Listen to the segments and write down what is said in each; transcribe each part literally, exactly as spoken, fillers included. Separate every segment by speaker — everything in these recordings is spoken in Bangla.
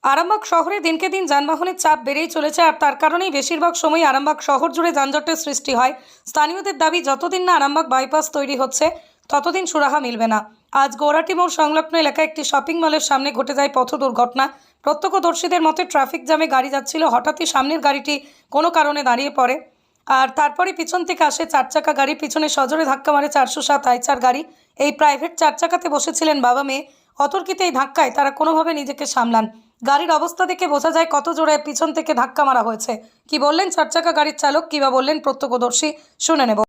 Speaker 1: আরামবাগ শহরে দিনকে দিন যানবাহনের চাপ বেড়েই চলেছে, আর তার কারণেই বেশিরভাগ সময় আরামবাগ শহর জুড়ে যানজটের সৃষ্টি হয়। স্থানীয়দের দাবি, যতদিন না আরামবাগ বাইপাস তৈরি হচ্ছে ততদিন সুরাহা মিলবে না। আজ গৌরাটি মোড় সংলগ্ন এলাকায় একটি শপিং মলের সামনে ঘটে যায় পথ দুর্ঘটনা। প্রত্যক্ষদর্শীদের মতে ট্রাফিক জ্যামে গাড়ি যাচ্ছিল, হঠাৎই সামনের গাড়িটি কোনো কারণে দাঁড়িয়ে পড়ে, আর তারপরে পিছন থেকে আসে চার চাকা গাড়ি, পিছনে সজোরে ধাক্কা মারে চারশো সাত আইচার গাড়ি। এই প্রাইভেট চার চাকাতে বসেছিলেন বাবা মেয়ে। অতর্কিত এই ধাক্কায় তারা কোনোভাবে নিজেকে সামলান। গাড়ির অবস্থা দেখে বোঝা যায় কত জোরে পিছন থেকে ধাক্কা মারা হয়েছে। কি বললেন চার চাকা গাড়ির চালক, কিবা বললেন প্রত্যক্ষদর্শী, শুনে নেব।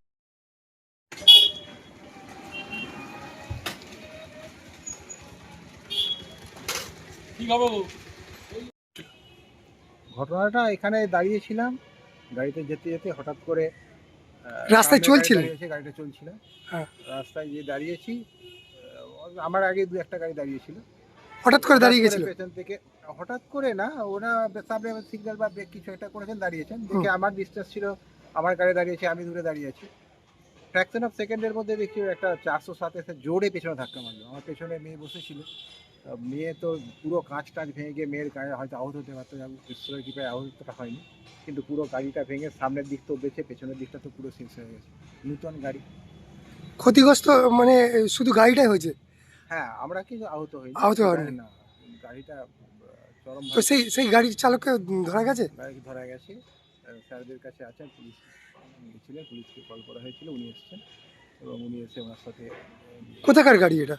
Speaker 2: ঘটনাটা এখানে দাঁড়িয়েছিলাম, গাড়িতে যেতে যেতে হঠাৎ করে
Speaker 3: রাস্তায় চলছিল,
Speaker 2: গাড়িটা চলছিল,
Speaker 3: হ্যাঁ
Speaker 2: রাস্তায় গিয়ে দাঁড়িয়েছি। আহ, আমার আগে দু একটা গাড়ি দাঁড়িয়েছিল,
Speaker 3: হঠাৎ করে দাঁড়িয়ে গেছিল।
Speaker 2: পেছন থেকে হঠাৎ করে না, ওরা সামনে সিগন্যাল বা ব্রেক কিছু একটা করেছেন, দাঁড়িয়েছেন দেখে আমার ডিস্টেন্স ছিল, আমার গাড়ি দাঁড়িয়েছে, আমি দূরে দাঁড়িয়ে আছি। ফ্র্যাকশন অফ সেকেন্ডের মধ্যে দেখছি একটা চারশো সাত এসে জোরে পেছনে ধাক্কা মারলো। আমার পেছনে মেয়ে বসেছিল, মেয়ে তো পুরো কাঁচ টাচ ভেঙে গিয়ে মেয়ের গায়ে হয়তো আহত হতে পারতো, ঈশ্বরের কৃপায় আহতটা হয়নি, কিন্তু পুরো গাড়িটা ভেঙে সামনের দিক তো বেঁচে, পেছনের দিকটা তো পুরো শেষ হয়ে গেছে। নতুন গাড়ি
Speaker 3: ক্ষতিগ্রস্ত মানে শুধু গাড়িটাই হয়েছে?
Speaker 2: হ্যাঁ, আমরা কি আহত হই
Speaker 3: আহত হয়নি
Speaker 2: না, গাড়িটা চরম
Speaker 3: তো সেই সেই গাড়ির চালককে ধরা গেছে?
Speaker 2: গাড়ি ধরা গেছে, স্যারদের কাছে আছেন, পুলিশ গিয়েছিলেন, পুলিশকে কল করা হয়েছিল, উনি এসেছেন এবং উনি এসে ওনার সাথে।
Speaker 3: কোথাকার গাড়ি এটা?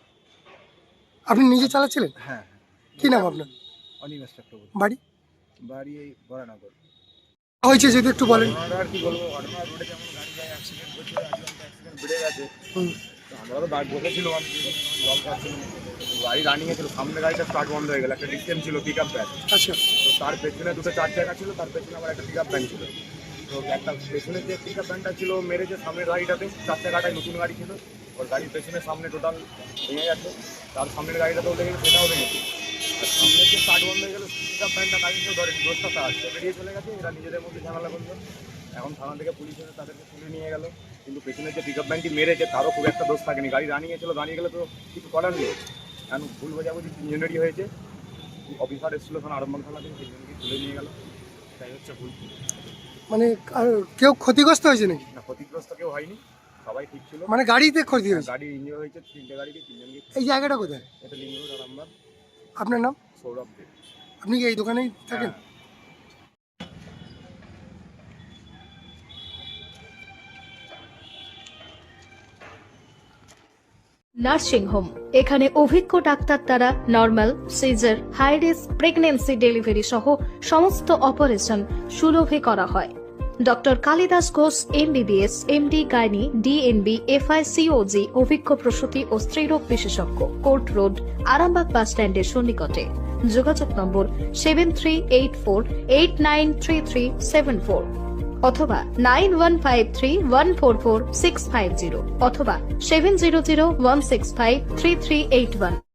Speaker 3: আপনি নিজে চালাচ্ছিলেন?
Speaker 2: হ্যাঁ।
Speaker 3: কি নাম আপনার?
Speaker 2: অনিমেষ চক্রবর্তী।
Speaker 3: বাড়ি?
Speaker 2: বাড়ি এই বরানগর।
Speaker 3: হয়েছে যদি একটু বলেন।
Speaker 2: ঘটনাটা আর কি বলবো, ঘটনা রোডে যেমন গাড়ি যায় অ্যাক্সিডেন্ট হচ্ছে, আজকাল অ্যাক্সিডেন্ট বেড়ে গেছে।
Speaker 3: হুম।
Speaker 2: তো আমরাও দাঁড় বসেছিলাম, আমি জল খাচ্ছিলাম, গাড়ি রানিংয়ে ছিল, সামনে গাড়িটা স্টার্ট বন্ধ হয়ে গেল, একটা ডিস্টেন্স ছিল পিক আপ ভ্যান।
Speaker 3: আচ্ছা,
Speaker 2: তো তার পেছনে দুটো চার চাকা ছিল, তার পেছনে আবার একটা পিক আপ ভ্যান ছিল। তো একটা পেছনের যে পিক আপ ভ্যানটা ছিল মেরেছে সামনের গাড়িটাতে, চার চাকাটায় নতুন গাড়ি ছিল, ওর গাড়ির পেছনে সামনে টোটাল ভেঙে গেছে, তার সামনের গাড়িটাতেও লেগে গেছে, সেটাও ভেঙেছে। আর সামনের যে স্টার্ট বন্ধ হয়ে গেলো, পিক আপ ভ্যানটা গাড়িতেও ধরেনি, দোষটা তার, সে বেরিয়ে চলে গেছে, এরা নিজেদের মধ্যে ঝামেলা করলো। এখন থানা থেকে পুলিশ এসে তাদেরকে তুলে নিয়ে গেল, কিন্তু পেছনের যে পিক আপ ভ্যানটি মেরেছে তারও খুব একটা দোষ থাকেনি, গাড়ি রানিংয়ে ছিল, দাঁড়িয়ে গেলে তো কিছু করার নেই। এখন ভুল বোঝাবুঝি তিনজনেরই হয়েছে, অফিসার এসেছিলো তখন আরম্ভ থানা থেকে, তিনজনকে তুলে নিয়ে গেল, তাই হচ্ছে ভুল।
Speaker 3: মানে আর কেউ ক্ষতিগ্রস্ত হয়েছে নাকি?
Speaker 2: না, ক্ষতিগ্রস্ত কেউ হয়নি, সবাই ঠিক ছিল।
Speaker 3: মানে গাড়িতে ক্ষতি হয়েছে?
Speaker 2: গাড়ি ইঞ্জিন হয়েছে, তিনটে গাড়িকে তিনজনকে।
Speaker 3: এই জায়গাটা কোথায়?
Speaker 2: এটা লিঙ্গ রোড, আরামবাগ।
Speaker 3: আপনার নাম?
Speaker 2: সৌরভ দেব।
Speaker 3: আপনি কি এই দোকানেই থাকেন?
Speaker 2: হ্যাঁ।
Speaker 4: নার্সিং হোম, এখানে অভিজ্ঞ ডাক্তার দ্বারা normal, caesar, high risk pregnancy, delivery সহ সমস্ত অপারেশন সুলভে করা হয়। Doctor Kalidas Ghosh MBBS, MD gynae, DNB, FICOG, অভিজ্ঞ প্রসূতি ও স্ত্রীরোগ বিশেষজ্ঞ, কোর্ট রোড, আরামবাগ বাস স্ট্যান্ডের সন্নিকটে। যোগাযোগ number seven three eight four eight nine three three seven four অথবা nine one five three one four four six five zero অথবা seven zero zero one six five three three eight one.